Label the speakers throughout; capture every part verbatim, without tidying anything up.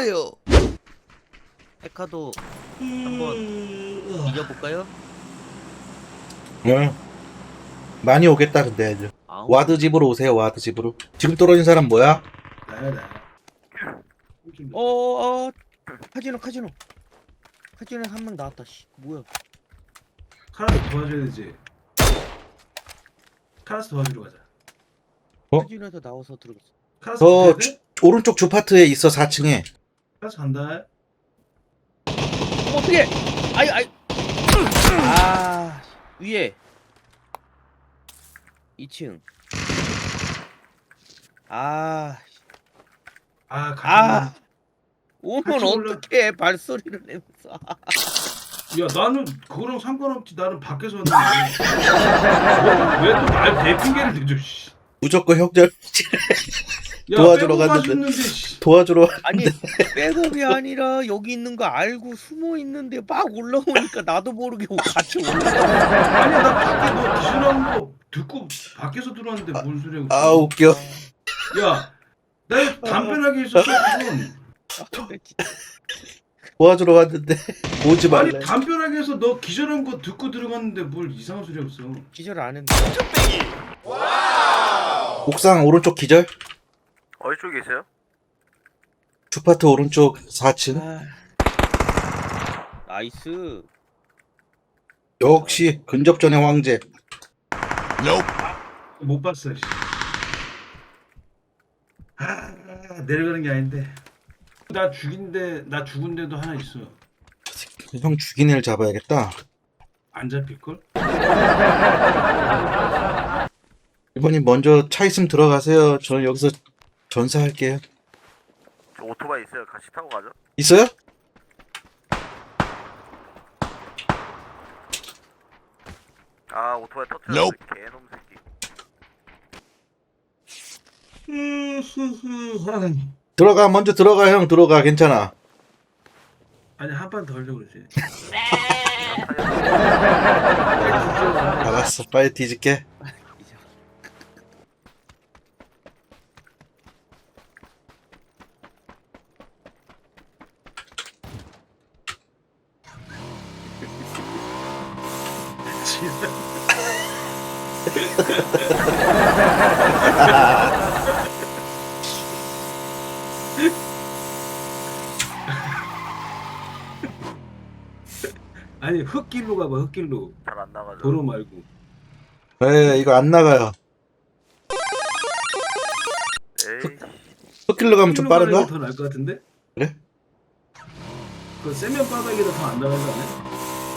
Speaker 1: 거예요.
Speaker 2: 페카도 한번 이겨볼까요?
Speaker 1: 응. 많이 오겠다 근데 애들.
Speaker 2: 아우.
Speaker 1: 와드 집으로 오세요. 와드 집으로. 지금 떨어진 사람 뭐야?
Speaker 3: 나야 나야.
Speaker 2: 어어 카지노 카지노 카지노에 한 명 나왔다. 씨 뭐야?
Speaker 3: 카라스 도와줘야 되지. 카라스 도와주러 가자.
Speaker 1: 어?
Speaker 2: 카지노에서 나와서 들어갔어.
Speaker 3: 카라스
Speaker 1: 저
Speaker 3: 가야 돼?
Speaker 1: 주, 오른쪽 주파트에 있어 사 층에.
Speaker 3: 카라스 간다.
Speaker 2: 어머 어떡해! 아이 아이 아 위에 이 층 아,
Speaker 3: 아, 같이
Speaker 2: 아 오면
Speaker 3: 같이 올라-
Speaker 2: 어떡해 발소리를 내면서
Speaker 3: 야 나는 그거랑 상관없지. 나는 밖에서 왔는데 왜 또 날 대핑계를 대줘. 씨.
Speaker 1: 무조건 형절
Speaker 3: 야,
Speaker 1: 도와주러
Speaker 3: 빼고
Speaker 1: 갔는데.
Speaker 3: 가셨는데, 씨.
Speaker 1: 도와주러.
Speaker 2: 아니 백업이 아니라 여기 있는 거 알고 숨어 있는데 막 올라오니까 나도 모르게 같이 올라가.
Speaker 3: 아니 나 밖에 너 기술하는 거 듣고 밖에서 들어왔는데 뭔 소리야?
Speaker 1: 아 웃겨.
Speaker 3: 야, 나 담배나게 있었어 지금.
Speaker 1: 도와주러 갔는데 오지
Speaker 3: 아니
Speaker 1: 말래.
Speaker 3: 담벼락에서 너 기절한 거 듣고 들어갔는데 뭘 이상한 소리 없어.
Speaker 2: 기절 안 했는데.
Speaker 1: 옥상 오른쪽 기절.
Speaker 4: 어디 쪽에 있어요?
Speaker 1: 주파트 오른쪽 사 층.
Speaker 2: 아, 나이스.
Speaker 1: 역시 근접전의 황제.
Speaker 3: 못 봤어. 씨. 아, 내려가는 게 아닌데. 나 죽인데 나 죽은데도 하나 있어.
Speaker 1: 형 죽인 애를 잡아야겠다.
Speaker 3: 안 잡힐 걸?
Speaker 1: 이번님 먼저 차 있으면 들어가세요. 저는 여기서 전사할게요.
Speaker 4: 저 오토바이 있어요. 같이 타고 가죠.
Speaker 1: 있어요?
Speaker 4: 아 오토바이 터트렸어. 개놈 새끼.
Speaker 1: 들어가 먼저 들어가 형 들어가 괜찮아.
Speaker 3: 아니 한 판 더 하려고 그러지.
Speaker 1: 알았어 빨리 뒤질게.
Speaker 3: 아니 흙길로 가봐 흙길로.
Speaker 4: 잘 안 나가죠.
Speaker 3: 도로 말고.
Speaker 1: 네 이거 안 나가요.
Speaker 4: 에이.
Speaker 1: 흙길로 가면 좀 빠른가?
Speaker 3: 더 나을 것 같은데?
Speaker 1: 그래?
Speaker 3: 그 세면 바닥이라 더 안 나가지 않아?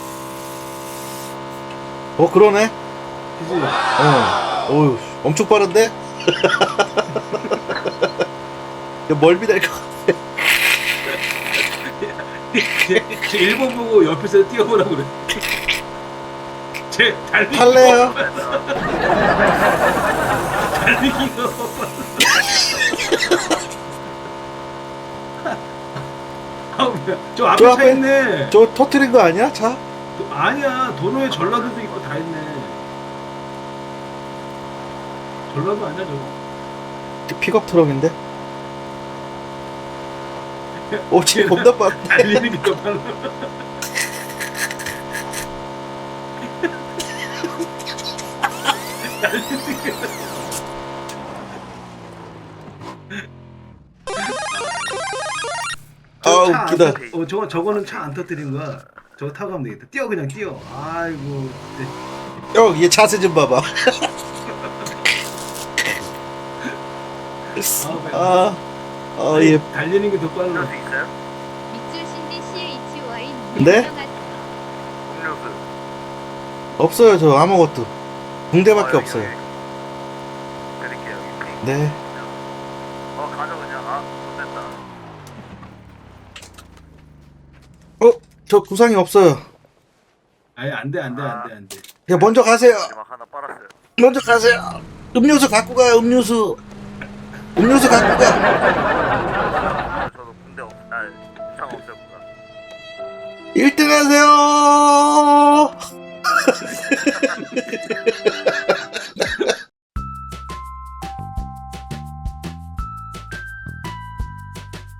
Speaker 1: 어 그러네.
Speaker 3: 그지?
Speaker 1: 어. 어우 엄청 빠른데? 멀미 날것 같아.
Speaker 3: 쟤, 쟤 일본 보고 옆에서 뛰어보라고 그래. 쟤 달리기
Speaker 1: 탈래요?
Speaker 3: 달리기가 아우 저 앞에
Speaker 1: 저
Speaker 3: 차
Speaker 1: 앞에?
Speaker 3: 있네.
Speaker 1: 저 터트린 거 아니야 차?
Speaker 3: 도- 아니야 도로에 전라도도 있고 다 있네. 전라도 아니야 저거?
Speaker 1: 픽업 트럭인데? 오 지금 겁나 빠른데?
Speaker 3: 달리는 게 더 빨라. 달리는 게
Speaker 1: 아
Speaker 3: 저거 차안
Speaker 1: 웃기다.
Speaker 3: 터- 어 저거 저거는 차 안 터뜨린 거야. 저거 타고 가면 되겠다. 뛰어 그냥 뛰어. 아이고. 네.
Speaker 1: 형얘 자세 좀 봐봐.
Speaker 3: 아,
Speaker 1: 아, 아, 얘
Speaker 3: 달리는 게 더
Speaker 4: 음료수
Speaker 3: 빨라.
Speaker 4: 있어요?
Speaker 5: 밑줄 씨에이치와이
Speaker 1: 네?
Speaker 4: 음료수.
Speaker 1: 없어요 저 아무것도. 붕대밖에
Speaker 4: 어, 여기,
Speaker 1: 없어요.
Speaker 4: 여기. 드릴게요 여기. 핑.
Speaker 1: 네.
Speaker 4: 어 가져 그냥. 아
Speaker 1: 어?
Speaker 4: 좋됐다.
Speaker 1: 저 구상이 없어요.
Speaker 3: 아니 안돼 안돼 안돼 안돼.
Speaker 1: 야 먼저 가세요.
Speaker 4: 마지막 하나 빨았어요.
Speaker 1: 먼저 가세요. 음료수 갖고 가요 음료수. 음료수 갖고 가.
Speaker 4: 저도 군대 없. 아 부상 없어요 부상.
Speaker 1: 일 등 하세요.